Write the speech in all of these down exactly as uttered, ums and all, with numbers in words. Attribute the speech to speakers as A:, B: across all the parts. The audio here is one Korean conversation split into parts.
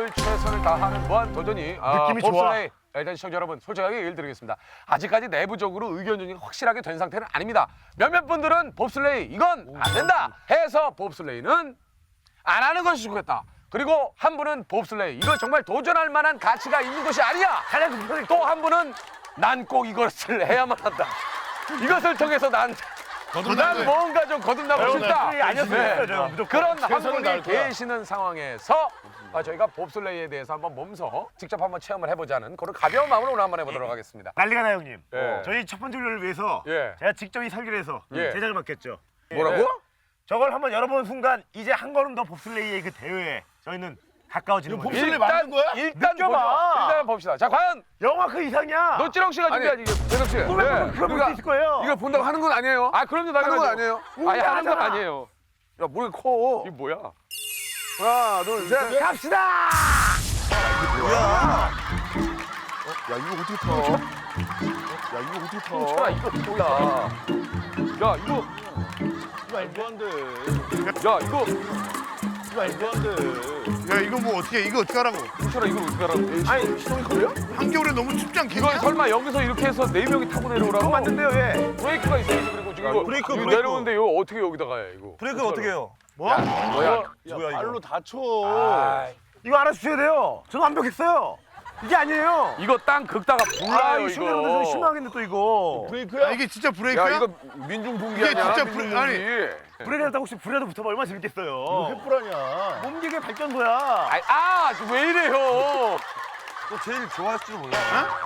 A: 늘 최선을 다하는 무한 도전이 아,
B: 느낌이 좋아.
A: 봅슬레이. 일단 시청자 여러분 솔직하게 얘기를 드리겠습니다. 아직까지 내부적으로 의견 조정이 확실하게 된 상태는 아닙니다. 몇몇 분들은 봅슬레이 이건 안 된다 해서 봅슬레이는 안 하는 것이 좋겠다. 그리고 한 분은 봅슬레이 이거 정말 도전할 만한 가치가 있는 것이 아니야. 또 한 분은 난 꼭 이것을 해야만 한다. 이것을 통해서 난 난 뭔가 좀 거듭나고 싶다.
B: 아니었어요.
A: 네. 그런 한 분이 계시는 상황에서 아, 저희가 봅슬레이에 대해서 한번 몸소 직접 한번 체험을 해보자는 그런 가벼운 마음으로 오늘 한번 해보도록 하겠습니다.
B: 난리가 나요, 형님.
A: 예.
B: 저희 첫 번째 훈련을 위해서
A: 예.
B: 제가 직접 이 설계를 해서
A: 예.
B: 제작을 맡겼죠.
A: 뭐라고?
B: 저걸 한번 열어보는 순간 이제 한 걸음 더 봅슬레이의 그 대회에 저희는 가까워지는 거예요.
A: 봅슬레이 만든 거야? 일단
B: 느껴봐.
A: 보죠. 일단 봅시다. 자, 과연
B: 영화 그 이상이야.
A: 노찌렁 씨가 준비한 이게
C: 재석 씨.
B: 꿈에서 그걸 볼 수 있을 거예요.
C: 이걸 본다고 하는 건 아니에요.
A: 아, 그럼요, 당연하죠.
C: 하는 건 아니에요.
A: 아니, 하는 건
B: 하잖아.
A: 아니에요.
C: 야, 머리 커.
A: 이게 뭐야?
C: 하나, 둘, 셋.
B: 갑시다.
C: 야, 이거 어떻게 타? 야, 이거 어떻게 타?
A: 홍철아, 이거 뭐야? 야, 이거
D: 말도 안 돼.
A: 야, 이거
D: 말도 안 돼.
E: 야 이거 뭐 어떻게 이거 어떻게 하라고?
A: 홍철아, 이거 어떻게 하라고?
B: 아니, 시동이 걸려요?
E: 한겨울에 너무 춥지 않겠냐?
A: 이걸 설마 여기서 이렇게 해서 네 명이 타고 내려오라고?
B: 그거 맞는데요, 예.
A: 브레이크가 있어야지. 그리고 지금 이거
D: 브레이크,
A: 이거
D: 브레이크.
A: 내려오는데 이거 어떻게 여기다가 해, 이거?
D: 브레이크 어떻게 해요?
B: 뭐?
A: 뭐야?
D: 야, 발로 다쳐.
A: 아,
B: 이거 알아주셔야 돼요. 저는 완벽했어요. 이게 아니에요.
A: 이거 땅 긁다가 불나요,
B: 이 시청자분들 좀
A: 이거.
B: 실망하겠네 또 이거.
D: 브레이크야?
E: 아, 이게 진짜 브레이크야?
A: 야, 이거 민중분기
E: 이게
A: 아니야?
E: 진짜
A: 민중분기.
E: 불- 아니.
B: 브레이크 했다고 혹시 불에도 붙어봐 얼마나 재밌겠어요.
D: 횃불 아니야.
B: 몸기계 발전소야.
A: 아이, 아, 왜 이래요?
D: 너 제일 좋아할지도 몰라.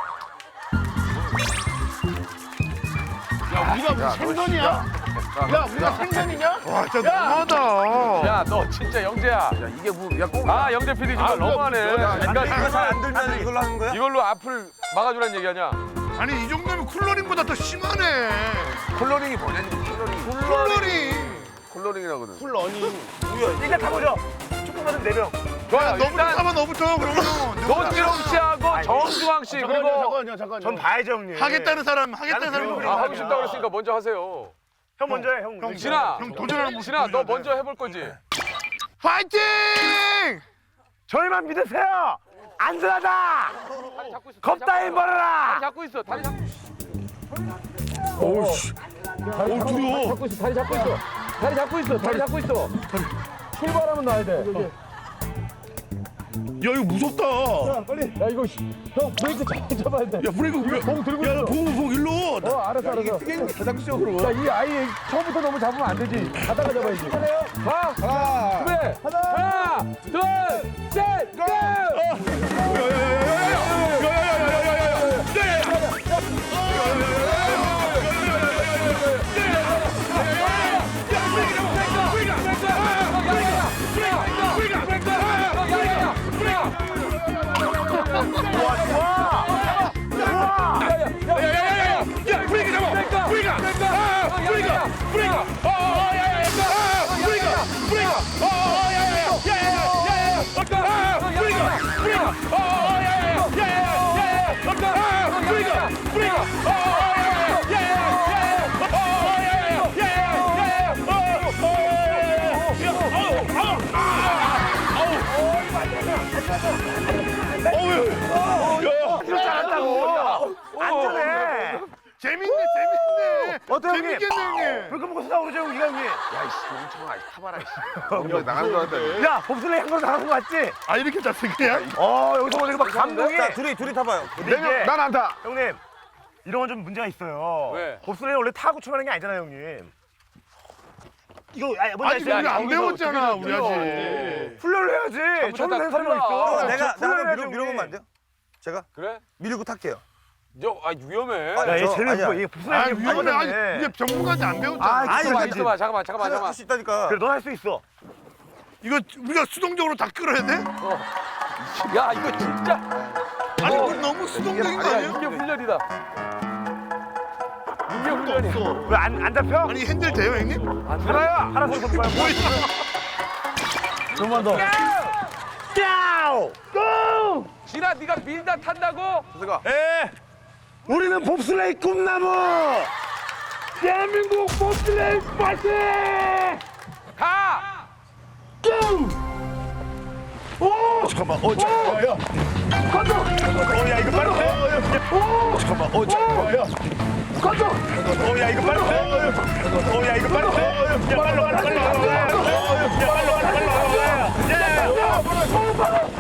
E: 야 우리가 무슨 생선이야? 야 우리가 생선이냐? 와 진짜 너무하다.
A: 야, 너 진짜 영재야.
C: 야, 이게 뭐, 야, 꼭.
A: 아, 영재 피디 정말 너무하네. 그러니까
D: 이거 잘 안 들면 이걸로 하는 거야?
A: 이걸로 앞을 막아주라는 얘기 아니야?
E: 아니 이 정도면 쿨러링보다 더 심하네.
C: 콜러링이 뭐냐니, 콜러링.
E: 쿨러링.
C: 콜러링이라거든.
D: 쿨러닝.
B: 일단 타보죠. 축구 받은 네 명.
A: 좋아요.
E: 너무
A: 일단
E: 타면 너부터 그러면.
A: 노지롱 씨하고 정중앙 씨 그리고
D: 잠깐만요, 잠깐만요.
B: 전 봐야죠, 형님.
E: 하겠다는 사람 하겠다는
B: 나는
E: 사람.
B: 그리고
A: 아, 하고 싶다고 그랬으니까 먼저 하세요.
B: 형 먼저 해, 형.
E: 형,
A: 진아,
E: 형 도전하는 모습.
A: 진아, 너
E: 보여줘야 돼.
A: 먼저 해볼 거지?
E: 파이팅!
B: 저희만 믿으세요. 안전하다.
A: 다리 잡고 있어.
B: 겁 따위
A: 다리
B: 버려라.
A: 잡고 있어. 다리 잡고 있어.
E: 어우씨. 어우 두려워.
A: 잡고 있어. 다리 잡고 있어. 다리 잡고 있어. 다리 잡고 있어. 출발하면 나야 돼.
E: 야 이거 무섭다.
A: 야, 이거 형 브레이크 잘 잡아야 돼.
E: 야 브레이크 왜?
A: 봉 들고
E: 야
A: 있어.
E: 봉, 봉 일로.
A: 어, 알았어, 알았어. 야, 이 아이 처음부터 너무 잡으면 안 되지. 가다가 잡아야지. 가. 하나, 준비. 하나, 둘, 셋, 고!
B: 잘한다고. 안전해.
E: 재밌네 재밌네.
B: 어때, 형님?
E: 재밌겠네 형님.
B: 불금 먹고 쏟아오르죠, 형, 이가 형님.
C: 야, 이씨, 멍청아, 이씨, 타봐라, 이씨. 형, 나가는 줄 알았다.
B: 야, 봅슬레이 한 걸음 나가는 거 맞지?
E: 아 이렇게 잤어 그냥?
B: 어, 여기서 보니까 막 감동이.
D: 자, 둘이, 둘이 타봐요.
B: 근데 이게
C: 난 안 타.
B: 형님, 이런 건 좀 문제가 있어요.
A: 왜?
B: 봅슬레이 원래 타고 출발하는 게 아니잖아요, 형님. 이거 아니, 뭔지
E: 아직 우리
B: 알죠?
E: 안
A: 여기서
E: 배웠잖아
A: 어떻게
E: 우리 아직.
A: 네.
B: 훈련을 해야지. 저는 된 사람이
A: 잘못했다.
B: 있어.
A: 큰일 나.
D: 내가,
B: 훈련을
D: 나를
B: 해야지,
D: 밀어, 밀어보면 안 돼요? 제가?
A: 그래?
D: 밀고 탈게요.
A: 저, 아, 위험해.
D: 아,
B: 야, 얘
D: 저-
B: 쟤는
D: 아니야.
B: 뭐, 이게
E: 아
B: 봅슬레이
E: 위험해. 아니 이게 전문가한테 안 배웠잖아.
B: 아,
D: 아니,
A: 있어봐,
D: 잠깐만,
A: 있어봐. 잠깐만, 잠깐만, 잠깐만.
D: 할 수 있다니까.
B: 그래, 넌 할 수 있어.
E: 이거 우리가 수동적으로 다 끌어야 돼?
A: 야, 이거 진짜.
E: 아니
A: 어.
E: 이거 너무 수동적인 거
A: 아니야,
E: 아니야?
A: 이게 훈련이다. 이게 훈련이야.
B: 왜 안 안 잡혀?
E: 아니 핸들 돼요 형님?
B: 누나야, 하나 더 더. 좀만 더. 야우! 고!
A: 진아, 네가 밀다 탄다고?
B: 예. 우리는 봅슬레이 꿈나무. 대한민국 봅슬레이 파이팅!
A: 가!
B: 고! 오! 잠깐만. 어, 자, 야, 야. 가져. 어, 야, 이거 빨리 돼. 어, 잠깐만. 어, 자, 야, 야. 가져. 어, 야, 이거 빨리 돼. 어, 야, 이거 빨리 돼. 야, 빨리 와, 빨리 와. 야, 빨리 와, 빨리 와. 야, 야.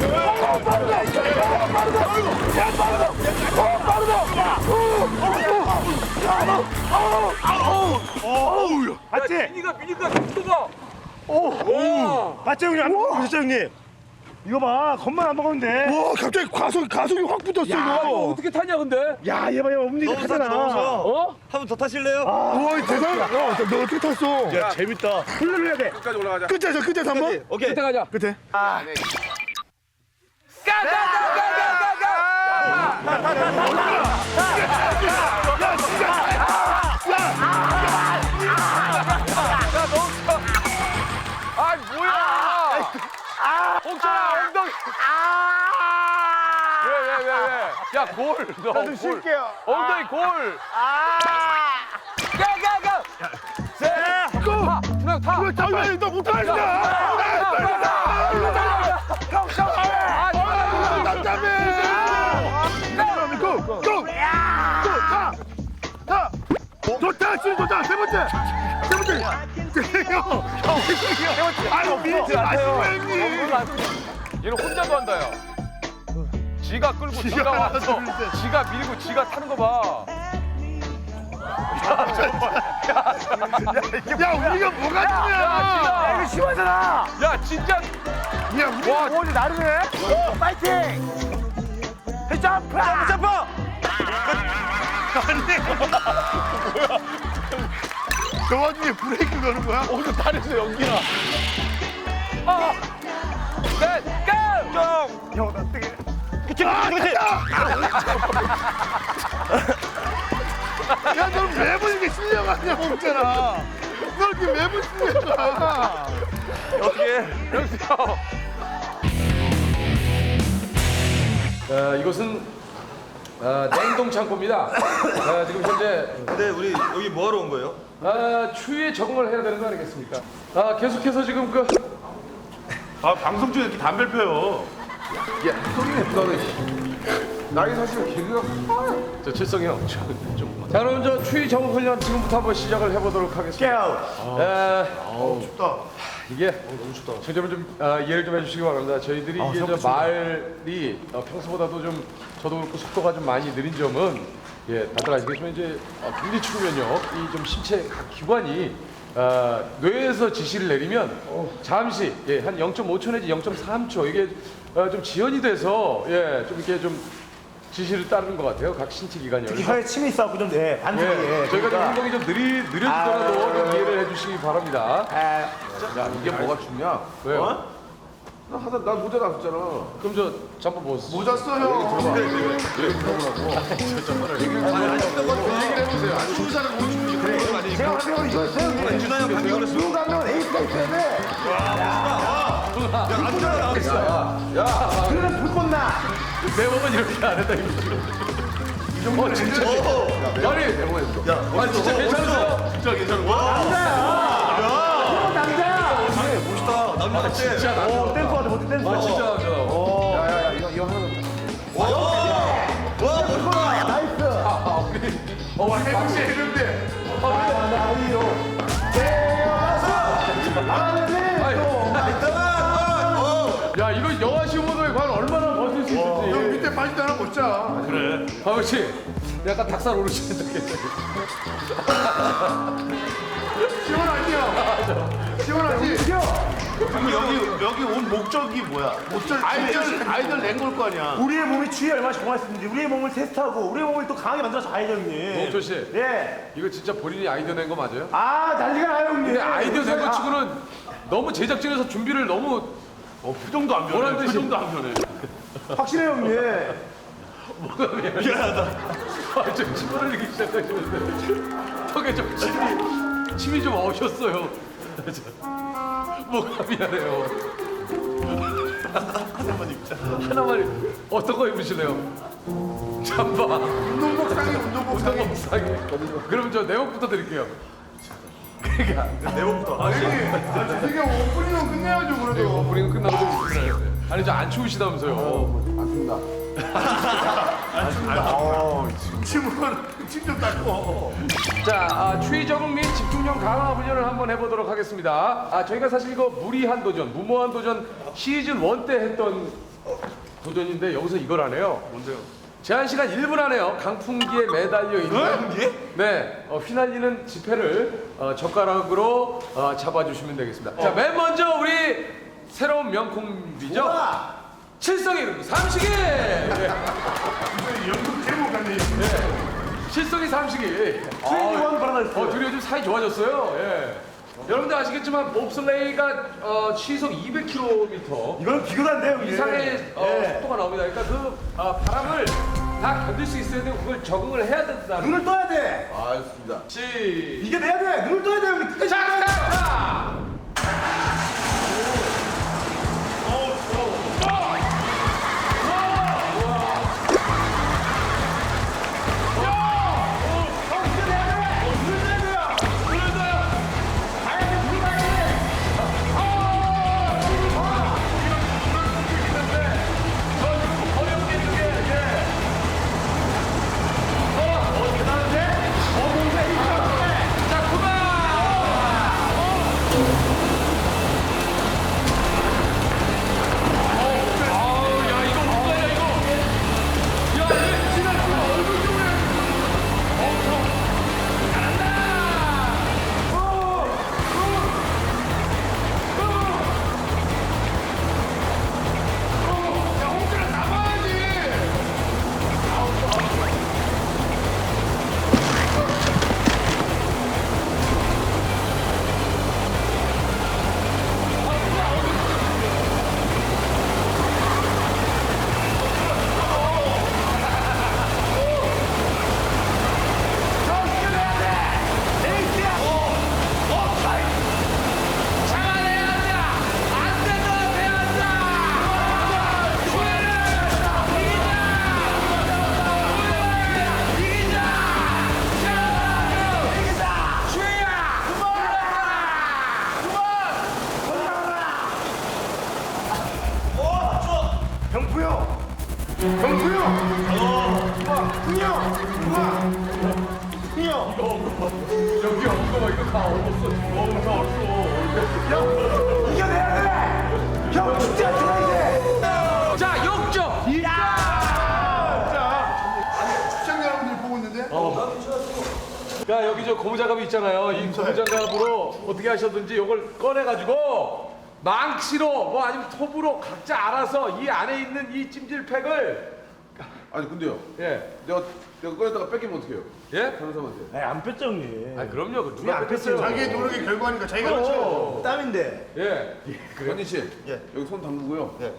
B: 맞지?
A: 미니가 미니가 속도가.
B: 맞죠, 형님? 안 보셨죠, 형님? 이거 봐, 겉만 안 먹었는데.
C: 와 갑자기 가속 가속이 확 붙었어 이거.
A: 어떻게 타냐 근데?
B: 야, 얘 봐, 얘 움직이 하잖아.
A: 어?
D: 한 번 더 타실래요?
C: 우와 대단. 야너 어떻게 탔어?
B: 야, 재밌다. 흘러내야 돼.
D: 끝까지 올라가자.
C: 끝에서 끝에서 한번.
D: 오케이.
A: 끝에 가자.
C: 끝에.
A: 아 뭐야? 옥천아 엉덩이. 왜왜 왜 왜? 야 골. 너좀 쉴게요. 엉덩이 골. 가가가. 세. 고. 타. 타.
C: 아니 너 못하겠다. 고! 고! 타! 타! 좋다! 지금 좋다! 세 번째! 세 번째! 형! 형! 아유 밀지 마시고 형님!
A: 얘는 혼자도 한다 야. 지가 끌고 지가 와서 지가 밀고 지가 타는 거 봐.
C: 야 우리가 뭐가
A: 야,
C: 중요해!
A: 이거
B: 심하잖아.
A: 야 진짜.
C: 야 우리
A: 와
B: 오늘 나르네. 오, 파이팅. 점프. 점프, 점프.
C: 저 와중에 브레이크 거는 거야?
A: 오늘 다리에서 연기나. 아. 셋, 고!
B: 형, 나 되게. 그치, 그치.
C: 야 너 매번 이게 실려가냐 없잖아. 너 이렇게 매번 실려가.
A: 영수 형. 어, 이곳은 어, 냉동 창고입니다. 어, 지금 현재
D: 근데 우리 여기 뭐 하러 온 거예요?
A: 어, 추위에 적응을 해야 되는 거 아니겠습니까? 아, 계속해서 지금 그
B: 아, 방송 중에 이렇게 담배를 펴요.
A: 야, 소리네, 너는. 나이 사실 개그가 저 칠성이 형, 저, 좀. 자, 그럼 저 추위 적응 훈련 지금부터 한번 시작을 해보도록 하겠습니다. 에,
C: 어우 춥다.
A: 이게 너무 춥다. 청자분 좀 아, 이해를 좀 해주시기 바랍니다. 저희들이 이게 저 말이 어, 평소보다도 좀 저도 그렇고 속도가 좀 많이 느린 점은 예, 다들 아시겠지만 이제 어, 굉장히 추우면요, 이 좀 신체 각 기관이 어, 뇌에서 지시를 내리면 잠시 예, 한 영 점 오 초 내지 영 점 삼 초 이게 어, 좀 지연이 돼서 예, 좀 이렇게 좀 지시를 따르는 것 같아요. 각 신체 기관이.
B: 특히 혀에 침이 있어갖고 좀, 예, 반응이.
A: 예, 저희가 좀 행동이 좀 느리, 느려지더라도
B: 아,
A: 좀 이해를 해주시기 바랍니다.
B: 아,
A: 야, 이게 뭐가 춥냐? 왜요? 나 하다 나 모자 놨었잖아. 그럼 저 잠깐 벗었어.
C: 모자 써 형.
A: 얘기를 해보세요. 아니, 추운 사람 못 추는 그래.
B: 제가 하면 이거 세요.
D: 준하 형 감기 걸렸어.
B: 누구 가면 에이스가 있어야 돼.
A: 야,
B: 그러면 불꽃 나.
A: 내 몸은 이렇게 안 했다 이거. 이 정도 진짜. 아니, 내 몸에. 야, 아 진짜 괜찮으세요?
C: 진짜 괜찮은 거야?
B: 어, 남자.
D: 멋있다. 남자 같지?
A: 진짜 나.
B: 어, 댄스 하자, 멋진 댄스.
A: 아 진짜 나. 야야야 이거 이거 하나.
D: 와 멋있다.
B: 나이스.
A: 아 우리. 어, 와 해보시 했는데.
B: 아, 나이요.
A: 야 이거 영화 시호모도에 과연 얼마나 버틸 수
C: 형
A: 있을지.
C: 밑에 바지 하나 벗자.
B: 그래.
A: 아버지 약간 닭살 오르시는데.
C: 시원하지요? 시원하지?
B: 그럼 여기, 여기 온 목적이 뭐야?
C: 어쩔
B: 아이들, 아이들 낸 걸 거 아니야. 우리의 몸이 추위에 얼마나 적응했는지 우리의 몸을 테스트하고 우리의 몸을 또 강하게 만들어서 가야죠, 형님.
A: 노홍철 씨.
B: 예.
A: 이거 진짜 본인이 아이디어 낸 거 맞아요?
B: 아, 난리가 나요, 형님.
A: 근데 아이디어 낸 거 치고는 너무 제작진에서 준비를 너무
B: 어, 표정도 안 변해.
A: 뭐라는 뜻이-
B: 표정도 안 변해. 확실해요, 형님.
A: 미안하다. 아, 좀 침 흘리기 시작하시는데 턱에 좀 침이 침이 좀 어셨어요. 뭐가 미안해요.
B: 하나만 입자.
A: 하나만 입- 어떤 거 입으실래요? 잠바.
C: 운동복 상해 운동복 상해.
A: 운동복 상의. 그럼 저 내복부터 드릴게요. 그러니까
B: 내복부터.
C: 아니, 아, 재석이 형 오프닝은 끝내야죠
A: 네,
C: 그래도.
A: 오프닝 끝나고 좀 있어야 돼. 아니 저 안 추우시다면서요.
C: 침으로 침좀 닦고.
A: 자, 아, 추위 적응 및 집중력 강화 훈련을 한번 해보도록 하겠습니다. 아, 저희가 사실 이거 무리한 도전, 무모한 도전 시즌 일 때 했던 도전인데 여기서 이걸 하네요. 뭔데요? 제한 시간 일 분 안에요. 강풍기에 매달려 있는 강풍기에? 네, 어, 휘날리는 지폐를 어, 젓가락으로 어, 잡아주시면 되겠습니다. 자, 맨 먼저 우리 새로운 명콤비죠? 칠성이 그룹 삼식이! 네.
C: 연극 제목 같네.
A: 실성이 삼식이. 트윈원 바라다. 어, 둘이 요즘 사이 좋아졌어요. 예. 여러분들 아시겠지만 봅슬레이가 어, 시속 이백 킬로미터
B: 이건 비교도 안 돼요, 이게.
A: 이상의 어,
B: 예.
A: 속도가 나옵니다. 그러니까 그 어, 바람을 다 견딜 수 있어야 되고 그걸 적응을 해야 된다는.
B: 눈을 떠야 돼.
C: 알겠습니다.
A: 시.
B: 이겨내야 돼. 눈을 떠야 돼. 우리 끝까지.
A: 자, 자, 자.
C: 병구요. 병구요. 흥이요. 흥이요.
A: 여기 없어. 이거 다 얼었어. 어, 다 얼었어.
B: 이겨내야 돼. 형 진짜 들어야 돼.
A: 자, 역적.
C: 시청자 여러분들 보고 있는데.
A: 자, 여기 저 고무장갑이 있잖아요. 이 고무장갑으로 어떻게 하셨든지 이걸 꺼내가지고 망치로 뭐 아니면 톱으로 각자 알아서 이 안에 있는 이 찜질팩을
F: 아니 근데요.
A: 예,
F: 내가 내가 꺼냈다가 뺏기면 어떡해요?
A: 예?
F: 변호사한테.
B: 에이, 안 뺐죠, 형님.
A: 아 그럼요. 그 누가
B: 안
A: 뺐어요?
C: 자기의 노력의 결과니까 자기가 그렇죠.
B: 땀인데.
A: 예.
F: 현진 씨.
C: 예.
F: 여기 손 담그고요.
C: 예.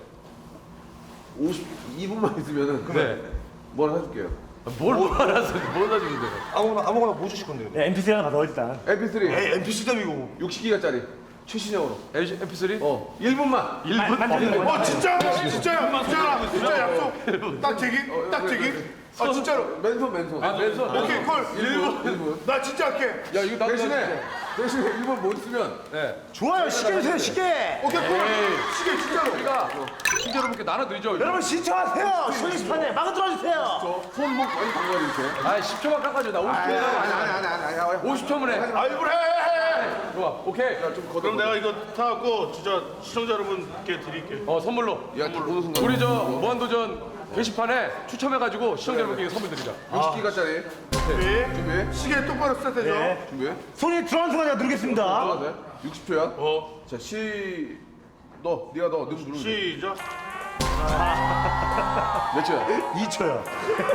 F: 오십이 분만 있으면은
A: 네.
F: 뭘 해줄게요.
A: 뭘 뭘 알아서 뭘 사주는데?
D: 아무거나 아무거나 뭐 주실 건데요?
B: 야, 엠피쓰리 하나 받아, 일단.
F: 엠피쓰리
C: 에이 엠피씨 덤이고.
F: 육십 기가짜리 최신형으로.
A: 엠피쓰리?
F: 어. 일 분만.
A: 일 분?
C: 어 진짜 진짜야 진짜 진짜 약속. 딱 제기 딱 제기. 아 진짜로.
F: 맨손 맨손.
A: 아, 왼손.
C: 오케이 콜.
F: 일 분. 일 분.
C: 나 진짜 할게.
A: 야, 이거 나도
F: 대신에 대신에 일 분 못 쓰면
A: 예.
B: 좋아요, 시계 주세요, 시계.
C: 오케이 콜. 시계 진짜로.
A: 우리가 시청자 여러분께 나눠드리죠.
B: 여러분 신청하세요. 쇼니스판에 막아 들어주세요.
F: 손목 많이 담가야 이렇게.
A: 아, 십 초만 깎아줘. 나 오십 초.
F: 아니 아니 아니 아니.
A: 오십 초면 해.
C: 아 일부러 해.
A: 좋아. 오케이.
F: 좀 걷어.
C: 그럼 내가 이거 타갖고 진짜 시청자 여러분께 드릴게.
A: 어, 선물로.
F: 야, 보는 순간.
A: 우리 저 무한도전 게시판에 추첨해가지고 시청자 여러분께 선물 드리자.
F: 육십 기가짜리.
C: 준비.
F: 준비.
C: 시계 똑바로 세트해줘.
B: 네.
F: 준비.
B: 손이 들어가는 순간 내가 누르겠습니다.
F: 들어가세요. 육십 초야.
C: 어.
F: 자, 시. 너, 네가 너, 너 누르면 돼.
C: 시작.
F: 몇 초야?
B: 이 초요.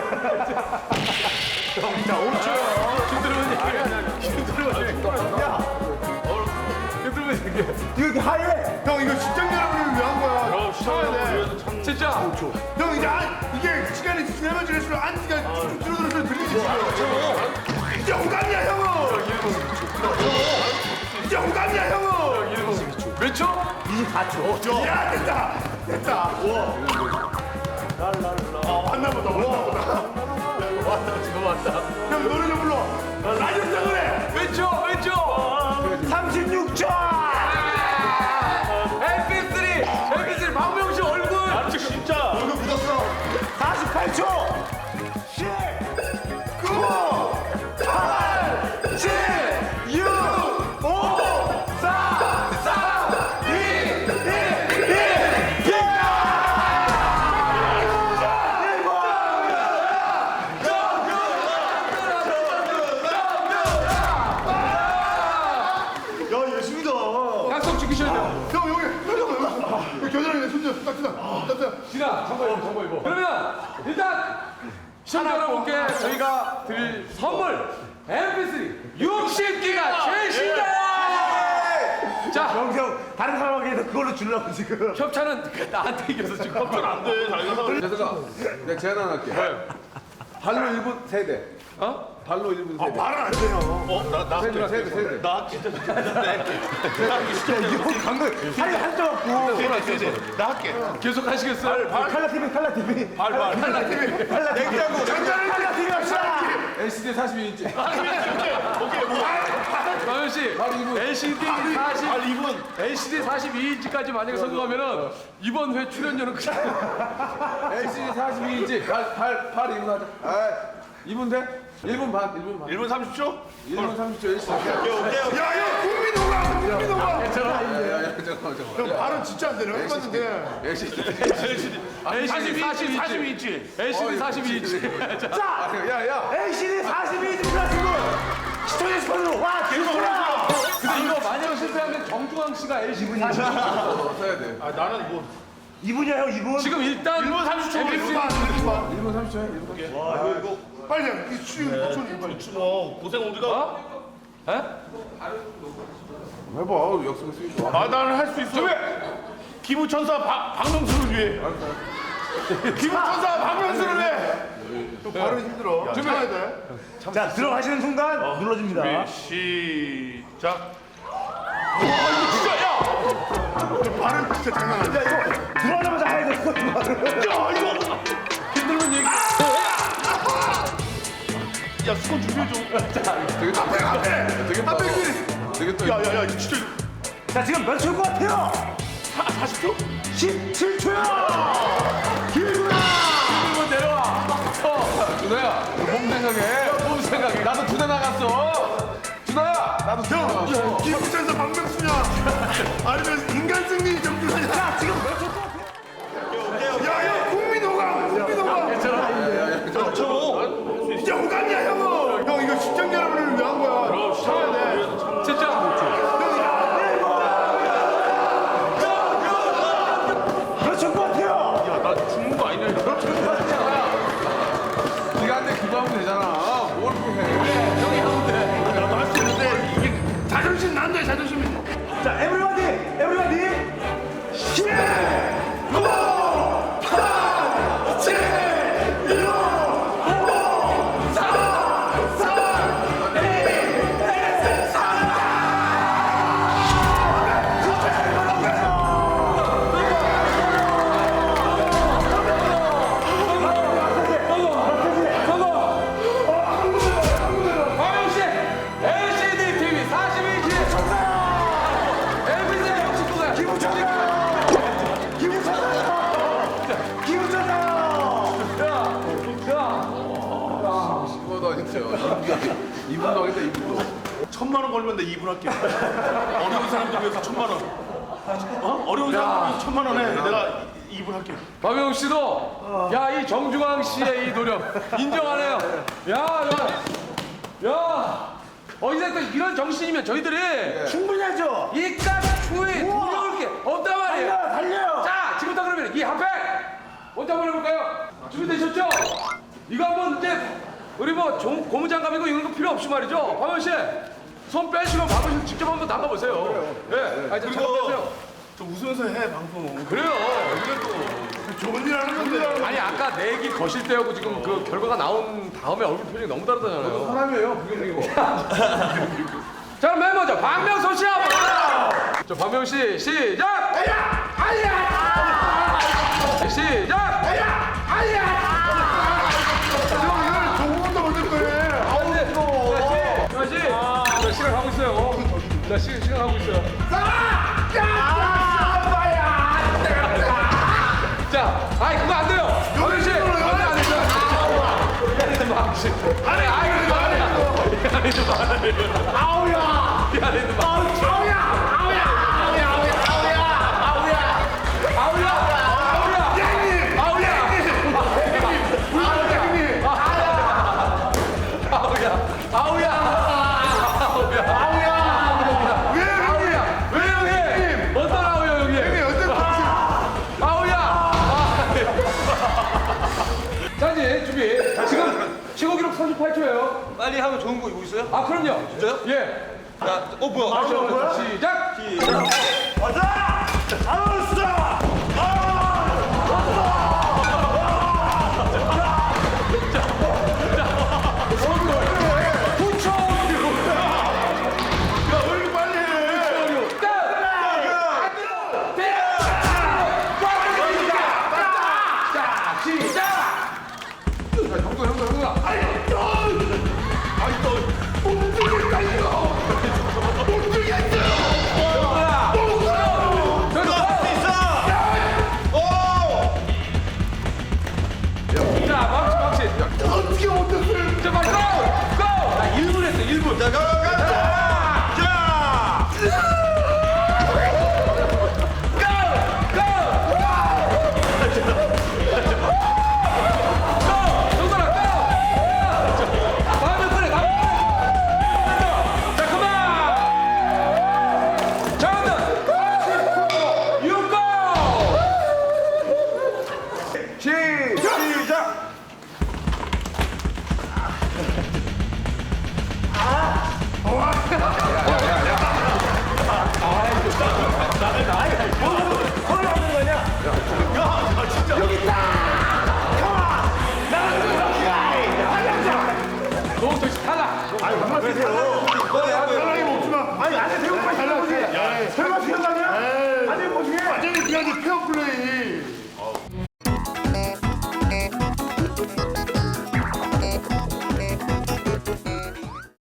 B: 이거 이렇게 하얘.
C: 형 이거 시청자 여러분을 위한 거야. 시청자 돼.
A: 진짜.
C: 형 이제 안, 이게 시간이 지나면 지날수록 안티가 쭉 줄어들어서 들리지 지금. 이제 호감이야 형은. 이제 호감이야 형은.
A: 몇 초?
B: 이십사 초.
C: 야 됐다 됐다. 아 왔나 보다 왔나 보다.
A: 왔다, 지금 왔다.
C: 형 노래 좀 불러. 라디오 때문에.
A: 몇 초? 몇 초?
B: 삼십육 초.
A: 엠피쓰리! 엠피쓰리 박명수 얼굴!
C: 됐어 됐어.
A: 진아, 정보 입어, 정보 입어. 그러면 일단 시청자 여러분께 저희가 드릴 선물 엠피쓰리 육십 기가 최신작! 자,
B: 영성 다른 사람에게도 그걸로 주려고 지금.
A: 협찬은 나한테 이겨서 지금 협찬 안 돼.
F: 재석아, 내가 제안 하나 할게. 발로 일 분 세대.
A: 어?
F: 발로 일 분 세대.
C: 말은 안 돼요.
F: 세대, 세대, 세대.
B: 나 진짜 이거 방금 살이 한점 없고.
C: 나 할게.
A: 계속 하시겠어요?
B: 칼라 티비 칼라 티비.
C: 발발.
B: 냉장고 칼라 티비 합시다.
F: 엘시디 사십이 인치.
A: 마현 씨, 엘시디 사십, 엘시디 사십이 인치까지 만약에 성공하면은 이번 회 출연료는 그냥
F: 엘시디 사십이 인치. 발, 발, 팔 이 분 하자. 아, 이 분 돼? 일 분 반, 일 분 반.
C: 일 분 삼십 초?
F: 일 분 삼십 초 엘시디.
C: 야야 국민호가 국민호가.
F: 야, 야, 잠깐만, 잠깐만.
C: 발은 진짜 안 돼. 내가 해봤는데.
F: 엘시디.
A: 엘시디 사십이 인치, 엘시디 사십이 인치.
B: 자,
F: 야, 야.
B: 엘시디 사십이 인치 플러스 분 시청자 스폰으로 와 개소라.
A: 근데 이거 만약 실패하면 정중앙 씨가 엘시디 사십.
F: 어, 써야 돼.
C: 아 나는 뭐
B: 이분이야 형 이분.
A: 지금 일단
C: 일 분 삼십 초.
A: 엠피쓰리
F: 일 분 삼십 초야, 일 분 삼십 초.
C: 빨리 해. 이 추, 추, 빨리 추. 뭐 고생 우리가.
A: 어? 에?
F: 해봐, 약속을 쓰기.
C: 아 나는 할 수 있어. 기부천사 박 박명수를 위해. 기부천사 박명수를 위해. 또 발은 힘들어. 참아야 돼.
B: 자 들어가시는 순간 눌러줍니다.
C: 시작. 와 이거 진짜 야. 발은 진짜 장난 아니야.
B: 야 이거 들어가자마자 해야 돼.
C: 야 이거.
A: 힘들면 얘기.
C: 야 수건 준비해 줘.
F: 되겠다.
C: 앞에 앞에.
F: 되겠다.
C: 앞에 길.
F: 되겠다.
C: 야야야 이거 진짜.
B: 자 지금 몇 초일 것 같아요?
C: 사십 초?
B: 십칠 초요.
A: 힘들면 내려와. 어, 준호야, 몸 생각해. 몸 생각해. 나도 두 대 나갔어. 준호야, 나도 두 대 나갔어.
C: 형 기부천사 박명수냐? 아니면 인간 승리 정준하냐?
B: 자 지금 몇 초일 것 같아요?
C: 야야 국민호가 국민호가. 진짜 호감이야 형은. 형 이거 시청자 여러분을 위해 한 거야. 참아야 돼.
A: 진짜.
B: 몇 초일 것 같아요?
F: 네가 한테 기부하면 되잖아. 뭘 그렇게 해.
C: 나도 할 수 있는데 이게 자존심 난다 자존심이.
B: 자 에브리바디 에브리바디 십 구 팔 칠 육 오 사 삼 이 일
A: 박영 씨, 엘시디 티비 사십이 인치. 엠피쓰리 육십 구가.
B: 기부천사요! 기부천사요!
F: 이거다 진짜. 이 분도 하겠다, 이 분도.
C: 천만 원 걸면 내 이 분 할게. 어려운 사람들 위해서 천만 원. 어? 어려운 사람들 위해서 천만 원 해. 내가 이 분 할게.
A: 박영 씨도 야 이 정중앙 씨의 이 노력 인정하네요. 야, 야, 야. 어 이제 또 이런 정신이면 저희들이
B: 충분히 하죠?
A: 이깟 추위 두려울 게 없단 말이에요.
B: 달려요 달려요!
A: 자, 지금부터 그러면 이 핫팩 먼저 한번 해볼까요? 준비되셨죠? 이거 한번 이제 우리 뭐 종, 고무장갑이고 이런 거 필요 없이 말이죠. 박원 씨, 손 빼시고 박원 씨 직접 한번 담가보세요. 예, 아, 저 잠깐 빼세요.
C: 저 웃으면서 해 방송.
A: 그래요. 이게 또
C: 좋은 일 하는 건데.
A: 아니 아까 내기 거실 때하고 지금 그 결과가 나온 다음에 얼굴 표정이 너무 다르잖아요.
F: 사람이에요, 부경이고.
A: 자, 맨 먼저 박명수 씨 한번. 저 박명 씨 시작. 아야, 아야. 시작. 아야, 아야.
C: 형 이거는 조금만 올릴 거예요.
A: 아우 네. 자, 씨, 자, 시간 가고 있어요. 자, 시, 시간 가고 있어요. 자, 아이 그거 안 돼요. 박명 씨, 안돼 안 되죠. 미안해, 박명 씨. 아니, 아이 그거 안 돼. 미안해, 좀
B: 아우야!
A: 미안해, 좀
B: 아우야! 아우야! 아우야! 아우야! 아우야!
A: 아우야, 아우야,
C: 땡님.
A: 아우야, 아우야, 아우야, 아우야.
C: 왜 형님?
A: 왜 형님? 어떤 아우야 형님?
C: 형님 어떤 거지?
A: 아우야,
D: 빨리 하면 좋은 거 이거 있어요?
A: 아 그럼요.
D: 진짜요?
A: 예.
D: 자, 어 뭐야?
A: 시작. 형도 형도 형도. 자, 막시 막시.
C: 어떻게 못했어요?
A: 자, 막시. 고! 고! 나 일 분 했어. 일 분.
D: 자, 가, 가, 가. 자.
B: 시작.
C: 사랑이 먹지마. 아니 안에 대고 빨리 달라보지. 설마 피한다냐? 안에 보시게. 완전히 그냥 페어 플레이.